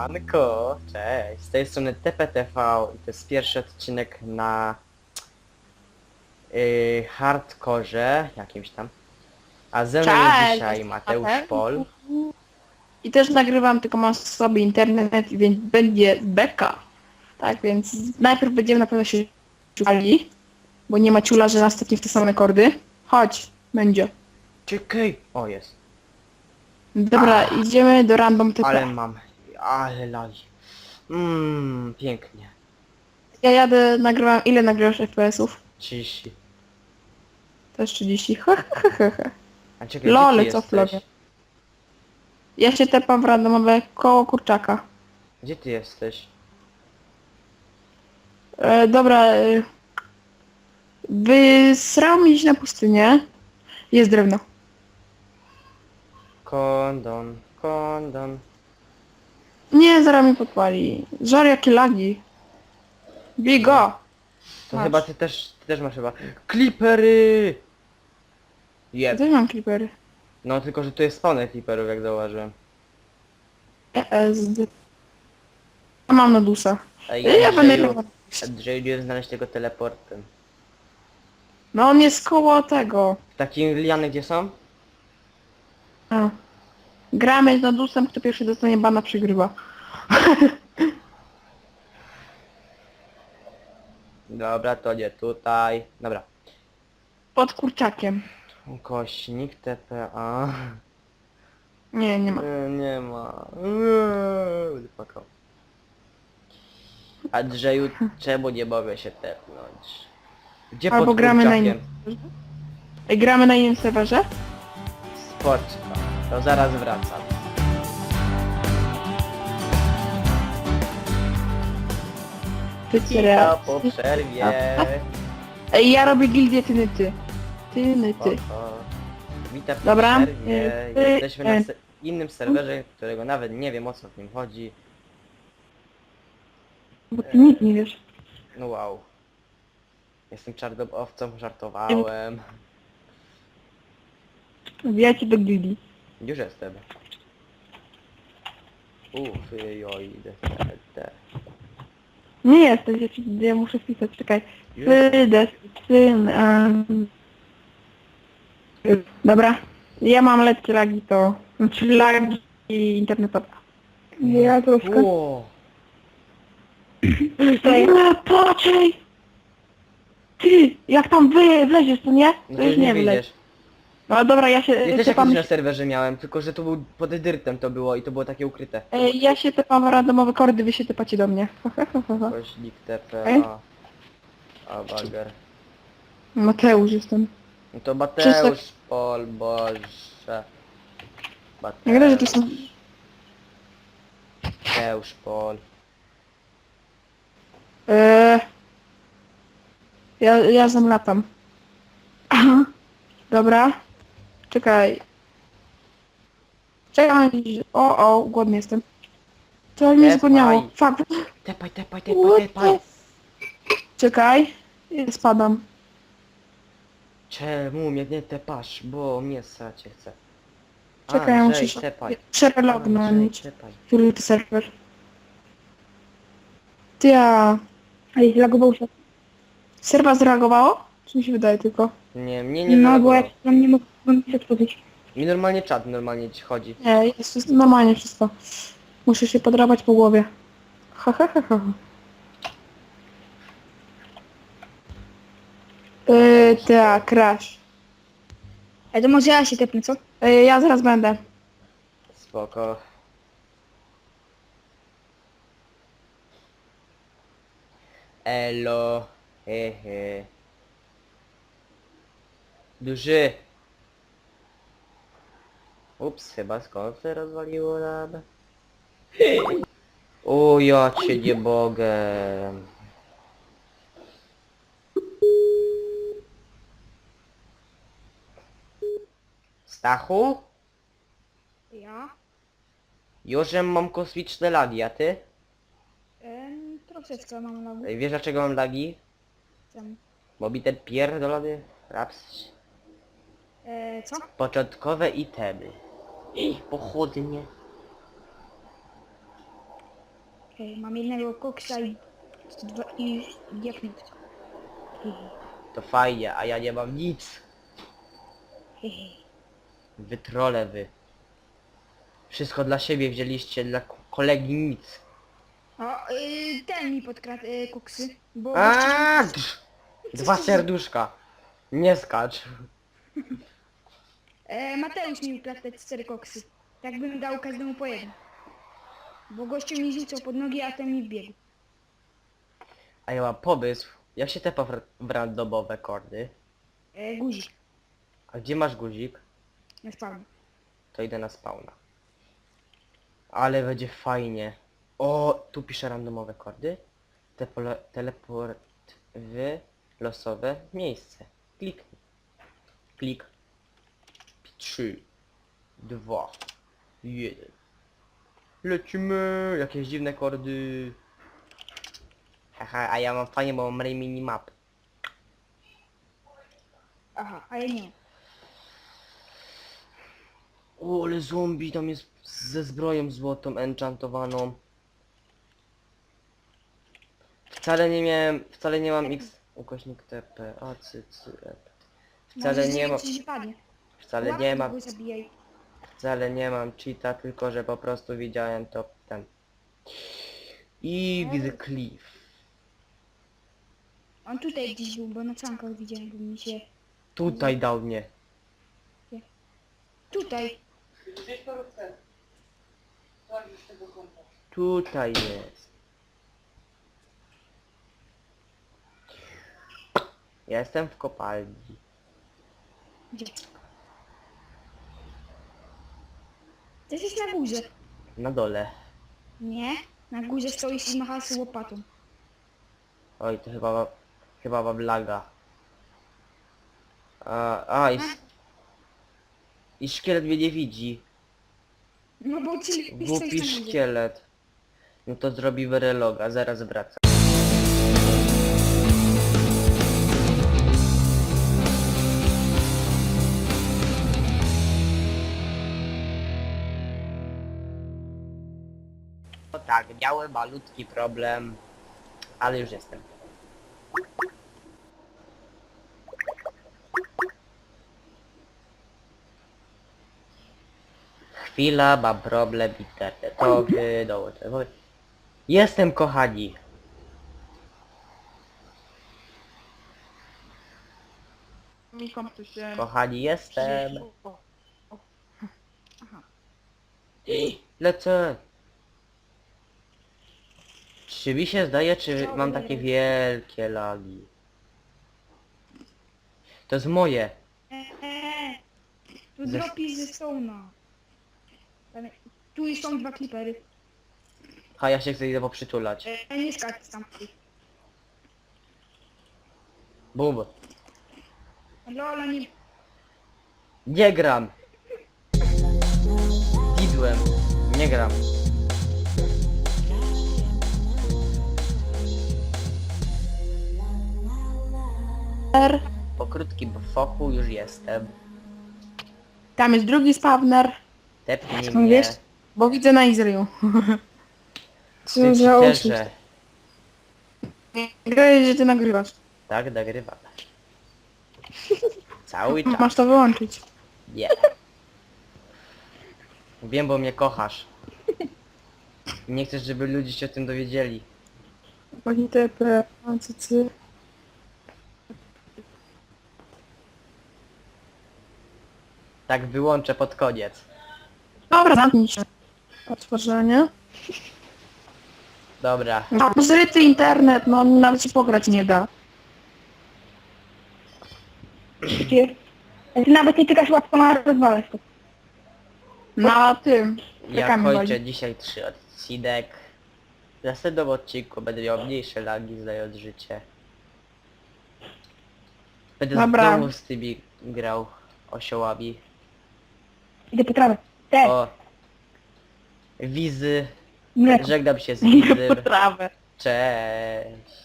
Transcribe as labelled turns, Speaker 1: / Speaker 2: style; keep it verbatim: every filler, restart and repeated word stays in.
Speaker 1: Siemanko, cześć, z tej strony T P T V i to jest pierwszy odcinek na yy, hardkorze jakimś tam. A ze mną jest
Speaker 2: Cześć,
Speaker 1: dzisiaj
Speaker 2: jestem
Speaker 1: Mateusz
Speaker 2: Mateusz.
Speaker 1: Pol.
Speaker 2: I też nagrywam, tylko mam sobie internet, więc będzie beka. Tak, więc najpierw będziemy na pewno się szukali, bo nie ma ciula, że następnie w te same kordy. Chodź, będzie.
Speaker 1: Czekaj! O, jest.
Speaker 2: Dobra, idziemy do random T P.
Speaker 1: Ale mam, ale lali. Mmm, pięknie.
Speaker 2: Ja jadę, nagrywam, ile nagrywasz F P S-ów?
Speaker 1: trzydzieści.
Speaker 2: Też trzydzieści. He, he, he, he.
Speaker 1: A czekaj,
Speaker 2: Lol,
Speaker 1: gdzie ty
Speaker 2: co w
Speaker 1: jesteś?
Speaker 2: lobie? Ja się tepam w randomowe koło kurczaka.
Speaker 1: Gdzie ty jesteś?
Speaker 2: E, dobra, e, wysrał mi iść na pustynię. Jest drewno.
Speaker 1: Kondon, kondon.
Speaker 2: Nie, zaraz mi podpali. Żar, jakie lagi. Bigo!
Speaker 1: To
Speaker 2: Masz.
Speaker 1: chyba ty też, ty też masz chyba. Clippery!
Speaker 2: Ja
Speaker 1: Jeb.
Speaker 2: też mam creepery.
Speaker 1: No tylko, że tu jest spawner clipperów, jak zauważyłem.
Speaker 2: E S D. Ja mam Nodusa.
Speaker 1: Ej,
Speaker 2: Ja będę...
Speaker 1: Andrzeju, Andrzeju, nie znaleźć tego teleportem.
Speaker 2: No on jest koło tego.
Speaker 1: Takie liany gdzie są?
Speaker 2: A. Gramy z Nodusem, kto pierwszy dostanie bana, przegrywa.
Speaker 1: Dobra, to nie tutaj. Dobra.
Speaker 2: Pod kurczakiem.
Speaker 1: Kośnik, T P A.
Speaker 2: Nie, nie ma.
Speaker 1: Nie, nie ma. Eee, będę płakał. Andrzeju, czemu nie mogę się tepnąć? Gdzie
Speaker 2: Albo
Speaker 1: pod
Speaker 2: gramy na
Speaker 1: kurczakiem?
Speaker 2: innym. Ej, gramy na innym serwerze?
Speaker 1: Spoczka. To zaraz wracam.
Speaker 2: Ty
Speaker 1: Cicho
Speaker 2: serio?
Speaker 1: po przerwie.
Speaker 2: Ej, ja robię gildię tyny ty. Tyny ty.
Speaker 1: Spoko. Witam po
Speaker 2: Dobra.
Speaker 1: przerwie.
Speaker 2: Y, y,
Speaker 1: Jesteśmy na
Speaker 2: y.
Speaker 1: se innym serwerze, którego nawet nie wiem, o co w nim chodzi.
Speaker 2: Bo ty nic nie wiesz.
Speaker 1: No wow. Jestem czarnowcą, żartowałem.
Speaker 2: Wbijajcie do gildii.
Speaker 1: Już jestem. Uff, joj, idę. te.
Speaker 2: Nie jesteś, ja, ci, ja muszę wpisać, czekaj.
Speaker 1: Już?
Speaker 2: Sydesz, syn, um... Dobra. Ja mam lekkie lagi to... Znaczy lagi internetowe. Ja troszkę.
Speaker 1: Ło.
Speaker 2: Nie, patrzaj! Ty, jak tam wy wleziesz, to nie?
Speaker 1: No
Speaker 2: To
Speaker 1: to
Speaker 2: już
Speaker 1: już nie
Speaker 2: nie wleć.
Speaker 1: wyjdziesz.
Speaker 2: No dobra, ja się
Speaker 1: Ja też
Speaker 2: tepam...
Speaker 1: jakiś na serwerze miałem, tylko że to był pod dyrtem to było i to było takie ukryte.
Speaker 2: Ej, ja się tepam w randomowe kordy, wy się tepacie do mnie.
Speaker 1: Kośnik T P
Speaker 2: Ej.
Speaker 1: A. A bager.
Speaker 2: Mateusz jestem.
Speaker 1: No to Mateusz Pol, Boże.
Speaker 2: Jak że to są...
Speaker 1: Mateusz Pol.
Speaker 2: Eee... Ja, ja zamlatam. Aha. Dobra. Czekaj. Czekaj. O, o, głodny jestem. To mnie
Speaker 1: Tepaj.
Speaker 2: zgłodniało. Fuck.
Speaker 1: Tepaj, tepaj, tepaj,
Speaker 2: What
Speaker 1: tepaj.
Speaker 2: the... Czekaj. Ja spadam.
Speaker 1: Czemu mnie nie tepasz? Bo mnie sacie chce.
Speaker 2: Czekaj, ja muszę
Speaker 1: Andrzej,
Speaker 2: się
Speaker 1: tepaj.
Speaker 2: przerelognąć.
Speaker 1: Andrzej, tepaj.
Speaker 2: Który to serwer? Ty ja... Ej, lagował się. Serwa zreagowało? Czy mi się wydaje tylko?
Speaker 1: Nie, mnie nie
Speaker 2: No, bo
Speaker 1: zareagował.
Speaker 2: jak tam nie mogłem się otworzyć.
Speaker 1: Mi normalnie czat normalnie ci chodzi.
Speaker 2: Nie, jest wszystko normalnie wszystko. Muszę się podrapać po głowie. Ha ha ha ha. Yy, tak, crash.
Speaker 3: Ej, to może ja się tepnę, co?
Speaker 2: Yy, ja zaraz będę.
Speaker 1: Spoko. Elo. Hehe. Duży. Ups, chyba skąd się rozwaliło nam? O, ja cię nie mogę. Stachu?
Speaker 3: Ja?
Speaker 1: Już mam kosmiczne lagi, a ty?
Speaker 3: Ehm, troszeczkę mam lagu.
Speaker 1: Ej, wiesz dlaczego mam lagi?
Speaker 3: Tam.
Speaker 1: Bo mi ten pierdolony raps.
Speaker 3: Eee, co?
Speaker 1: Początkowe itemy. Pochodnie.
Speaker 3: Hej, mam jednego koksa i... Dwa, i... diaknut. Hehe,
Speaker 1: To fajnie, a ja nie mam nic.
Speaker 3: hehe.
Speaker 1: Wy trole wy. Wszystko dla siebie wzięliście, dla k- kolegi nic.
Speaker 3: O, y, ten mi podkradł y, koksy, bo...
Speaker 1: Aaaa! Dwa serduszka. Nie skacz.
Speaker 3: E, Mateusz mi ukradł te cztery koksy. Tak bym dał każdemu po jeden. Bo gościu mi rzucał pod nogi, a ten mi wbiegł.
Speaker 1: A ja mam pomysł. Jak się tepa w w randomowe kordy?
Speaker 3: E, guzik
Speaker 1: A gdzie masz guzik?
Speaker 3: na spawnie.
Speaker 1: To idę na spawna. Ale będzie fajnie. O, tu piszę randomowe kordy. Tepole, teleport w losowe miejsce. Kliknij. Klik. trzy, dwa, jeden. Lecimy. Jakieś dziwne kordy. Haha, a ja mam fajnie, bo mam ray minimap.
Speaker 3: Aha, a ja nie mam.
Speaker 1: O, ale zombie tam jest ze zbroją złotą enchantowaną. Wcale nie miałem, wcale nie mam x ukośnik tp, a cy, cy, e. Wcale
Speaker 3: Możesz
Speaker 1: nie
Speaker 3: zrobić
Speaker 1: mam,
Speaker 3: coś, że padnie.
Speaker 1: wcale
Speaker 3: Łapki
Speaker 1: nie mam,
Speaker 3: go zabijaj.
Speaker 1: wcale nie mam cheata, tylko że po prostu widziałem to ten. I widzę cliff.
Speaker 3: On tutaj gdzieś był, bo na cankach widziałem, bo mi się...
Speaker 1: Tutaj dał mnie.
Speaker 3: Tutaj!
Speaker 1: Tutaj jest. Ja jestem w kopalni.
Speaker 3: Gdzie? Ty jesteś na górze.
Speaker 1: Na dole.
Speaker 3: Nie? Na górze stoisz i machasz łopatą.
Speaker 1: Oj, to chyba ma, chyba mam laga. A, a i, i szkielet mnie nie widzi.
Speaker 3: No bo ty stoisz
Speaker 1: Głupi
Speaker 3: na górze.
Speaker 1: szkielet. No to zrobi reloga, zaraz wracam. No tak, miałem malutki problem, ale już jestem. Chwila, mam problem internetowy, dołączę. Jestem, kochani.
Speaker 2: Mi komputer się...
Speaker 1: Kochani, jestem.
Speaker 3: Aha.
Speaker 1: Lecę. Czy mi się zdaje, czy mam takie wielkie lagi? To jest moje.
Speaker 3: Eee, tu
Speaker 1: Ze-
Speaker 3: dropi ze stołna. Tam- Tu już są dwa klipery.
Speaker 1: A ja się chcę idę poprzytulać.
Speaker 3: E, nie skacz tam.
Speaker 1: Bum.
Speaker 3: Lola nie...
Speaker 1: Nie gram. Widłem. Nie gram.
Speaker 2: R.
Speaker 1: Po krótkim fochu już jestem.
Speaker 2: Tam jest drugi spawner,
Speaker 1: Tepnij
Speaker 2: No
Speaker 1: mnie.
Speaker 2: wiesz? bo widzę na Izraelu. Co
Speaker 1: Ty
Speaker 2: za oszust.
Speaker 1: cheaterze.
Speaker 2: Grałeś, że ty nagrywasz.
Speaker 1: Tak, nagrywam. Cały czas.
Speaker 2: Masz to wyłączyć.
Speaker 1: Nie. Wiem, bo mnie kochasz. Nie chcesz, żeby ludzie się o tym dowiedzieli.
Speaker 2: Pani T P, A C C.
Speaker 1: Tak wyłączę pod koniec.
Speaker 2: Dobra, zamknij się. Otworzenie.
Speaker 1: Dobra.
Speaker 2: No, zryty internet, no nawet się pograć nie da.
Speaker 3: Ty, ty nawet nie tykasz łapką, a rozwalasz to.
Speaker 2: Na tym.
Speaker 1: Ja
Speaker 2: Rekami
Speaker 1: kończę
Speaker 2: wali.
Speaker 1: dzisiaj trzy odcinek. W następnym odcinku będę miał mniejsze lagi, znając życie. Będę
Speaker 2: Dobra.
Speaker 1: znowu z tymi grał osiołami.
Speaker 3: Idę po trawę. Te,
Speaker 1: O. Wizy.
Speaker 3: mleko.
Speaker 1: Żegnam się z Wizym.
Speaker 2: Trawę.
Speaker 1: Cześć.